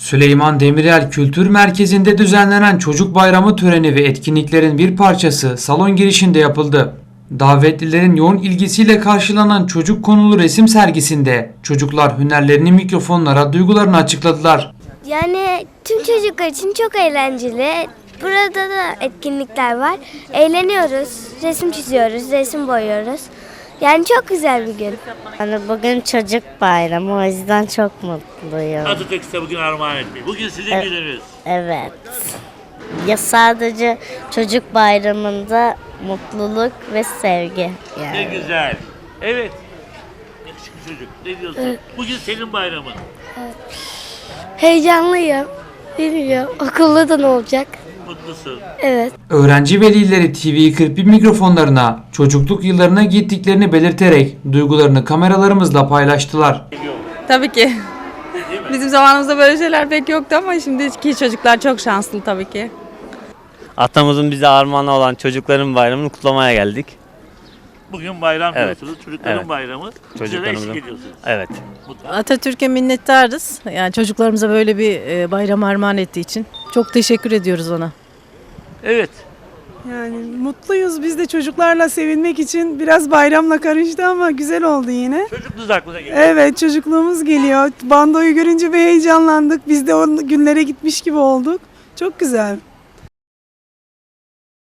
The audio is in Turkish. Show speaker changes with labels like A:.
A: Süleyman Demirel Kültür Merkezi'nde düzenlenen Çocuk Bayramı töreni ve etkinliklerin bir parçası salon girişinde yapıldı. Davetlilerin yoğun ilgisiyle karşılanan çocuk konulu resim sergisinde çocuklar hünerlerini mikrofonlara, duygularını açıkladılar.
B: Yani tüm çocuklar için çok eğlenceli. Burada da etkinlikler var. Eğleniyoruz, resim çiziyoruz, resim boyuyoruz. Yani çok güzel bir gün.
C: Yani bugün çocuk bayramı, o yüzden çok mutluyum.
D: Atatürk size bugün armağan etti. Bugün sizin gününüz.
C: Evet. Ya sadece çocuk bayramında mutluluk ve sevgi.
D: Ne
C: Yani.
D: güzel. Evet. Yakışıklı çocuk. Ne diyorsun?
B: Evet.
D: Bugün senin bayramın.
B: Heyecanlıyım. Bilmiyorum. Okulda da ne olacak?
D: Mutlusun.
B: Evet.
A: Öğrenci velileri TV41 mikrofonlarına çocukluk yıllarına gittiklerini belirterek duygularını kameralarımızla paylaştılar.
E: Tabii ki. Bizim zamanımızda böyle şeyler pek yoktu ama şimdiki çocuklar çok şanslı tabii ki.
F: Atamızın bize armağanı olan çocukların bayramını kutlamaya geldik.
D: Bugün bayram
F: Evet.
D: diyorsunuz. Çocukların
F: Evet.
D: bayramı. Bize de
F: Çocuklarımızın.
D: eşlik ediyorsunuz.
F: Evet.
D: Mutlu.
G: Atatürk'e minnettarız. Yani çocuklarımıza böyle bir bayram armağan ettiği için. Çok teşekkür ediyoruz ona.
D: Evet.
H: Yani mutluyuz biz de çocuklarla sevinmek için biraz bayramla karıştı ama güzel oldu yine.
D: Çocukluğunuz aklına geliyor.
H: Evet çocukluğumuz geliyor. Bandoyu görünce bir heyecanlandık. Biz de o günlere gitmiş gibi olduk. Çok güzel.